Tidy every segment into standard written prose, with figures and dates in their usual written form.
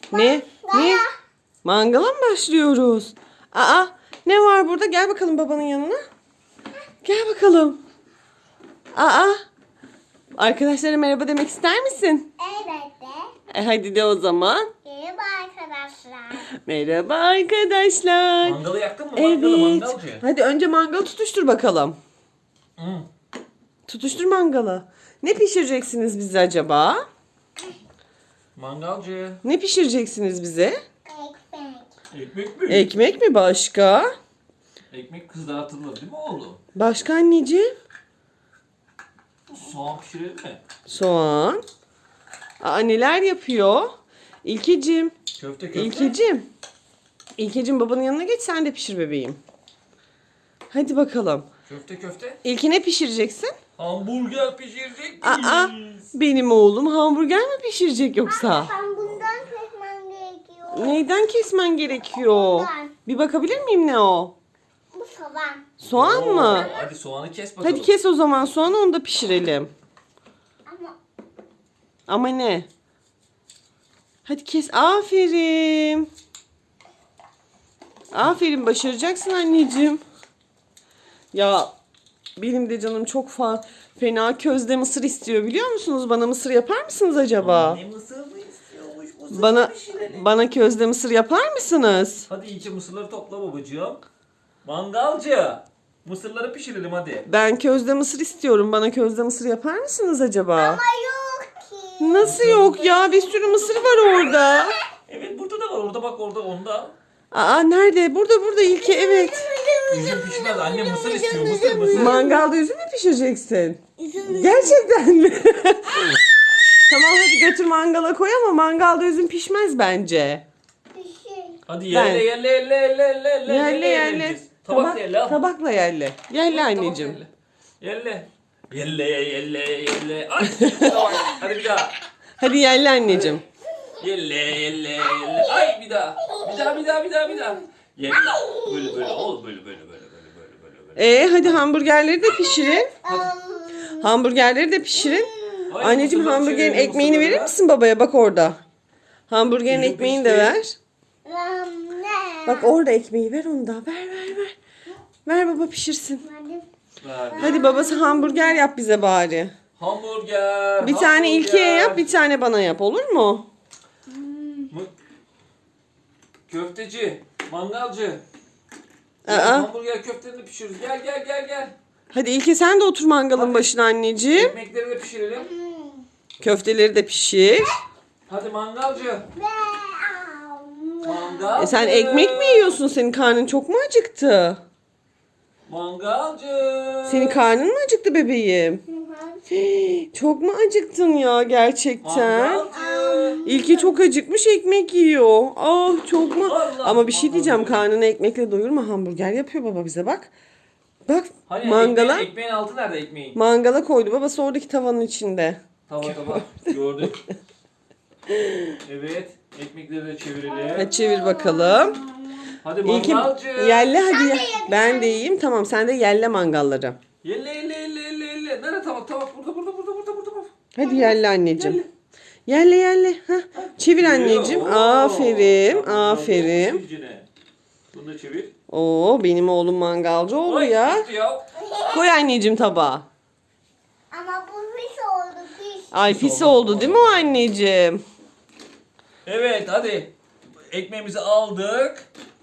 Ne? Ne? Mangala mı başlıyoruz? Aa, ne var burada? Gel bakalım babanın yanına. Gel bakalım. Aa, arkadaşlara merhaba demek ister misin? Evet de. Hadi de o zaman. Merhaba arkadaşlar. Merhaba arkadaşlar. Mangalı yaktın mı? Mangalı, Evet. mangalcı. Hadi önce mangalı tutuştur bakalım. Hı. Tutuştur mangalı. Ne pişireceksiniz bize acaba? Mangalcı. Ne pişireceksiniz bize? Ekmek. Ekmek mi? Ekmek mi başka? Ekmek kızartılır değil mi oğlum? Başka anneciğim? Soğan pişirelim mi? Soğan. Aa, neler yapıyor? İlkeciğim. Köfte köfte. İlkeciğim. İlkeciğim babanın yanına geç sen de pişir bebeğim. Hadi bakalım. Köfte köfte. İlki ne pişireceksin? Hamburger pişirecek Aa, miyiz? benim oğlum hamburger mi pişirecek yoksa? Ben bundan kesmem gerekiyor. Neyden kesmen gerekiyor? Bundan. Bir bakabilir miyim ne o? Bu soğan. Soğan Oo, mı? Hadi soğanı kes bakalım. Hadi kes o zaman soğanı onu da pişirelim. Ama Ama ne? Hadi kes. Aferin. Aferin başaracaksın anneciğim. Ya benim de canım çok fena közde mısır istiyor biliyor musunuz? Bana mısır yapar mısınız acaba? Ne mısır mı istiyormuş? Mısır Bana pişirelim. bana közde mısır yapar mısınız? Hadi iyice mısırları topla babacığım. Mangalcı. Mısırları pişirelim hadi. Ben közde mısır istiyorum. Bana közde mısır yapar mısınız acaba? yok ki. Nasıl yok ya? Bir sürü mısır var orada. Evet burada da var. Orada bak orada onda. Aa nerede? Burada İlke evet. Üzüm pişmez. Anne mısır istiyor. Mısır. Mangalda üzüm mü pişireceksin? Gerçekten mi? Tamam hadi götür mangala koy ama mangalda üzüm pişmez bence. Bir şey. Hadi Ben- yerle. Yerle. yiyeceğiz. Tabak yerle. al. Tabakla yerle. Yerle Tabak anneciğim. yerle. Yerle. Ay. Hadi bir daha. Hadi yerle anneciğim. Yerle. Ay bir daha. Bir daha. Yerle. Böyle. Ol böyle. Hadi hamburgerleri de pişirin. Hamburgerleri de pişirin. Ay, Anneciğim mısırları hamburgerin çevirelim, ekmeğini mısırları. verir misin babaya? Bak orada. Hamburgerin Üzüm ekmeğini de pişti. ver. Ne? Bak orada ekmeği ver onu da. Ver. Ver baba pişirsin. Hadi. Hadi babası hamburger yap bize bari. Hamburger. Bir tane İlke'ye yap, bir tane bana yap. Olur mu? Köfteci. Mangalcı. Aa. Hamburger köftelerini pişiriyoruz. Gel. Hadi İlke sen de otur mangalın başına anneciğim. Ekmekleri de pişirelim. Köfteleri de pişir. Hadi mangalcı. Mangalcı. Sen ekmek mi yiyorsun? Senin karnın çok mu acıktı? Mangalcı. Senin karnın mı acıktı bebeğim? Çok mu acıktın ya gerçekten? Mangalcı. İlki çok acıkmış ekmek yiyor. Ah çok mu? Allah Ama bir şey diyeceğim Allah. karnını ekmekle doyurma hamburger yapıyor baba bize bak. Bak Hani mangala ekmeğin altı nerede ekmeğin? mangala koydu babası oradaki tavanın içinde. Tava. Gördük. Evet. Ekmekleri de çevirelim. Hadi çevir bakalım. Hadi İlki mangalcı. yelle hadi ye. Ben de yiyeyim tamam sen de yelle mangalları. Yelle. Nerede tabak? Burada. Hadi yelle anneciğim. Yelle. Heh. Çevir anneciğim. Oo. Aferin. Tamam, Aferin. çeviricine. Bunu da çevir. Oo benim oğlum mangalcı oldu Ay, ya. gitti ya. Koy anneciğim tabağa. Ama bu pis oldu pis. Ay pis oldu değil mi o anneciğim? Evet hadi. Ekmeğimizi aldık.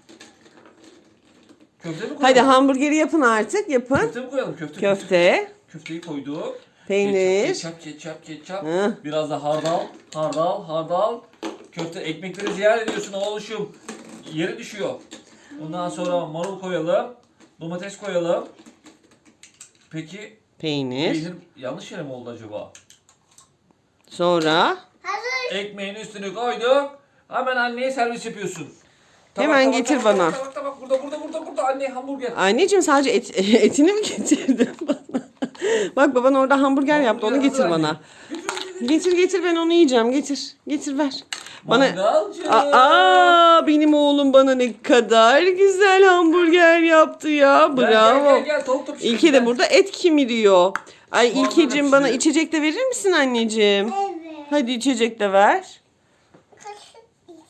Köfte mi koyalım? Hadi hamburgeri yapın artık yapın. Köfte mi koyalım? Köfte, Köfteyi koyduk. peynir. Ketçap. Hı. Biraz da hardal. Köfte ekmekleri ziyaret ediyorsun oğluşum. Yere düşüyor. Ondan sonra marul koyalım. Domates koyalım. Peki Peynir. peynir yanlış yere mi oldu acaba? Sonra Hazır. Ekmeğin üstüne koyduk. Hemen anneye servis yapıyorsun. Hemen getir bana. Tabak burada anne hamburger. anneciğim sadece etini mi getirdin bana? Bak baban orada hamburger yaptı onu Hamburger getir hazır bana. anne. Getir ben onu yiyeceğim getir ver. Bana Mangalcı. benim oğlum bana ne kadar güzel hamburger yaptı ya. Bravo. Gel tavuk da pişirelim. İlke de burada et kimiriyor. Ay Mangal İlkeciğim bana pişirelim. içecek de verir misin anneciğim? Evet. Hadi içecek de ver. Kaşık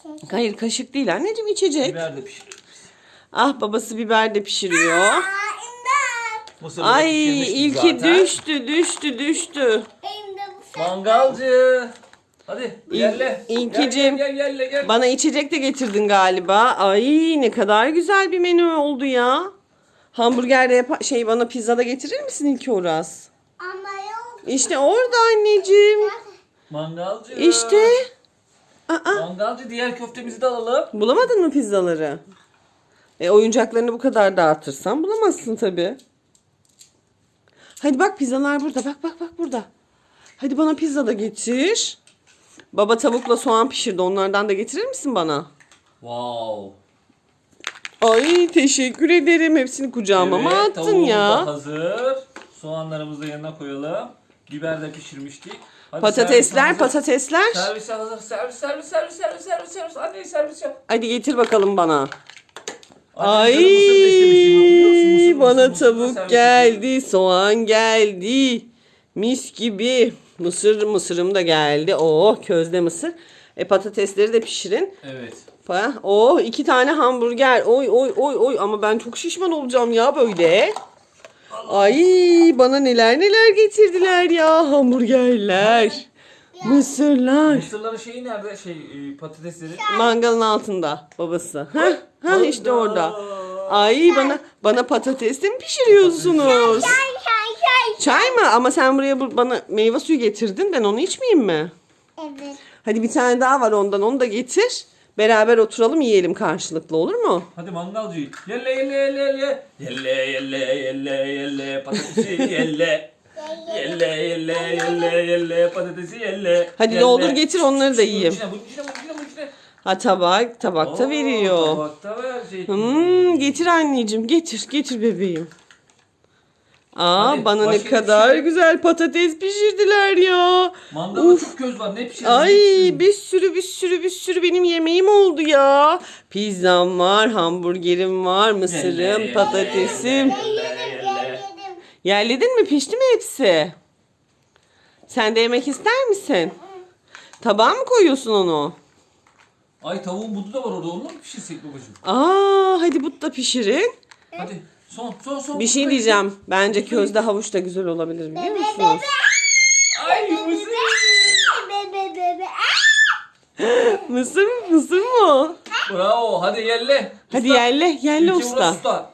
Hayır kaşık değil anneciğim, içecek. Biber de pişir. Ah babası biber de pişiriyor. Aa, imdat. Mısırı da Ay pişirmiştik ilki zaten. düştü. Benim de bu sefer. Mangalcı. Hadi yerle. İlkicim. Gel. Bana içecek de getirdin galiba. Ay ne kadar güzel bir menü oldu ya. Hamburger de bana pizza da getirir misin İlki Uras? Ama yok. İşte orada anneciğim. Mangalcı. İşte. Aa, Mangalcı, diğer köftemizi de alalım. bulamadın mı pizzaları? Oyuncaklarını bu kadar dağıtırsan bulamazsın tabii. Hadi bak pizzalar burada. Bak burada. Hadi bana pizza da getir. Baba tavukla soğan pişirdi. Onlardan da getirir misin bana? Wow. Ay teşekkür ederim. Hepsini kucağıma mı attın tavuğumuz ya? da hazır. Soğanlarımızı da yanına koyalım. Biber de pişirmiştik. Hadi Patatesler. Servis hazır. Servis. Anne servis yap. Hadi getir bakalım bana. Anne, canım mısır da istemiştim, hatırlıyor musun? Bana Mısır da tavuk servis geldi, soğan geldi. Mis gibi. Mısırım da geldi. Oh közde mısır. Patatesleri de pişirin. Evet. Oh 2 tane hamburger. Oy ama ben çok şişman olacağım ya böyle. Ay bana neler getirdiler ya, hamburgerler. Mısırlar. Mısırların şeyi nerede? Patatesleri. Mangalın altında babası. Hah işte orada. Ay bana patates de mi pişiriyorsunuz? Çay. Çay mı? Ama sen buraya bana meyve suyu getirdin. Ben onu içmeyeyim mi? Evet. Hadi bir tane daha var ondan. Onu da getir. Beraber oturalım yiyelim karşılıklı, olur mu? Hadi mangalcı. Yelle. Patatesi yelle. Yelle. Patatesi yelle. Hadi doldur getir, onları da yiyeyim. Bunun içine. Ha tabakta veriyor. Tabakta verecek. Getir anneciğim, getir bebeğim. Hadi, Bana ne başka bir kadar şey. güzel patates pişirdiler ya. Mangalda çok köz var. Ne pişirdin? Ay bir sürü benim yemeğim oldu ya. Pizzam var, hamburgerim var, mısırım, Yelle, patatesim. Yedim. Yerledin mi? Pişti mi hepsi? Sen de yemek ister misin? Tabağa mı koyuyorsun onu? Ay tavuğun budu da var orada. Onu mu pişirsek babacığım? Hadi bu da pişirin. Hadi. Son. Bir şey diyeceğim. Bence közde havuç da güzel olabilir, biliyor musunuz? Ay mısır. Bebe. Mısır mı o? Bravo. Hadi yelle. Hadi Usta. yerle İlki usta. usta.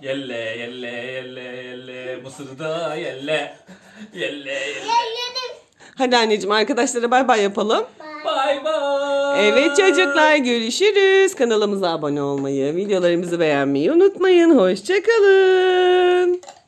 Yelle. Mısırı da yelle. Yelle. Yedim. Hadi anneciğim, arkadaşlara bay bay yapalım. Bye bye. Evet çocuklar, görüşürüz. Kanalımıza abone olmayı, videolarımızı beğenmeyi unutmayın. Hoşçakalın.